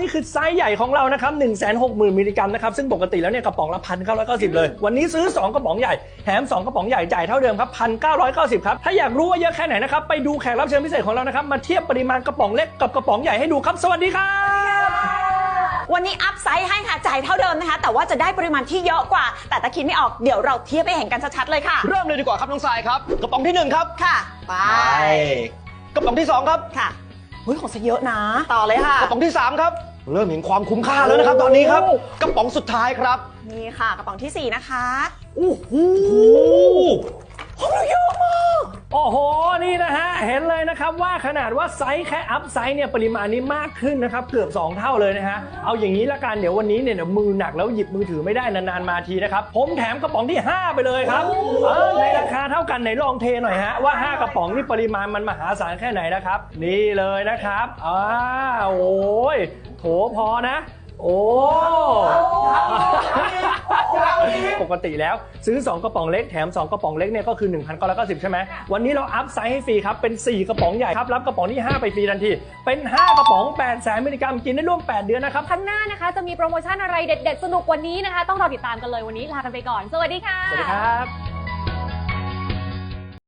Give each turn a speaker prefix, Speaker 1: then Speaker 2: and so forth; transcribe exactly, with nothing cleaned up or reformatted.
Speaker 1: นี่คือไซส์ใหญ่ของเรานะครับ หนึ่งแสนหกหมื่น มิลลิกรัมนะครับซึ่งปกติแล้วเนี่ยกระป๋องละ หนึ่งพันเก้าร้อยเก้าสิบ เลยวันนี้ซื้อสองกระป๋องใหญ่แถมสองกระป๋องใหญ่จ่ายเท่าเดิมครับ หนึ่งพันเก้าร้อยเก้าสิบ ครับถ้าอยากรู้ว่าเยอะแค่ไหนนะครับไปดูแขกรับเชิญพิเศษของเรานะครับมาเทียบปริมาณกระป๋องเล็กกับกระป๋องใหญ่ให้ดูครับสวัสดีครับ
Speaker 2: วันนี้อัพไซส์ให้ค่ะจ่ายเท่าเดิมนะคะแต่ว่าจะได้ปริมาณที่เยอะกว่าแต่ตะคิดไม่ออกเดี๋ยวเราเทียบให้เห็นกันชัดๆเลยค่ะ
Speaker 3: เริ่มเลยดีกว่าครับน้องทรายครับกระป๋องที่หนึ่งครับ
Speaker 2: ค่ะไป
Speaker 3: กระป๋องที่สองครับ
Speaker 2: ค่ะเฮ้ยของซะเยอะนะต่อเลยค่ะ
Speaker 3: กระป๋องที่สามครับเริ่มเห็นความคุ้มค่าแล้วนะครับตอนนี้ครับกระป๋องสุดท้ายครับ
Speaker 2: นี่ค่ะกระป๋องที่สี่นะคะ
Speaker 3: โอ้โห
Speaker 2: ของเราเยอะมาก
Speaker 1: โอ้โหนี่นะฮะเห็นเลยนะครับว่าขนาดว่าไซส์แค่อัพไซส์เนี่ยปริมาณนี้มากขึ้นนะครับเกือบสองเท่าเลยนะฮะเอาอย่างนี้ละกันเดี๋ยววันนี้เนี่ยมือหนักแล้วหยิบมือถือไม่ได้นานๆมาทีนะครับผมแถมกระป๋องที่ห้าไปเลยครับเออในราคาเท่ากันไหนลองเทหน่อยฮะว่าห้ากระป๋องนี่ปริมาณมันมหาศาลแค่ไหนนะครับนี่เลยนะครับอ้าวโอ้ยโถพอนะโอ้ปกติแล้วซื้อสองกระป๋องเล็กแถมสองกระป๋องเล็กเนี่ยก็คือ หนึ่งพันเก้าร้อยเก้าสิบ ใช่ไหมวันนี้เราอัพไซส์ให้ฟรีครับเป็นสี่กระป๋องใหญ่ครับรับกระป๋องที่ห้าไปฟรีทันทีเป็นห้ากระป๋องแปดแสนมิลลิกรัมกินได้ร่วมแปดเดือนนะครับ
Speaker 4: ข้างหน้านะคะจะมีโปรโมชั่นอะไรเด็ดๆสนุกกว่านี้นะคะต้องรอติดตามกันเลยวันนี้ลากันไปก่อนสวัสดีค่ะ
Speaker 1: สวัสดีครับ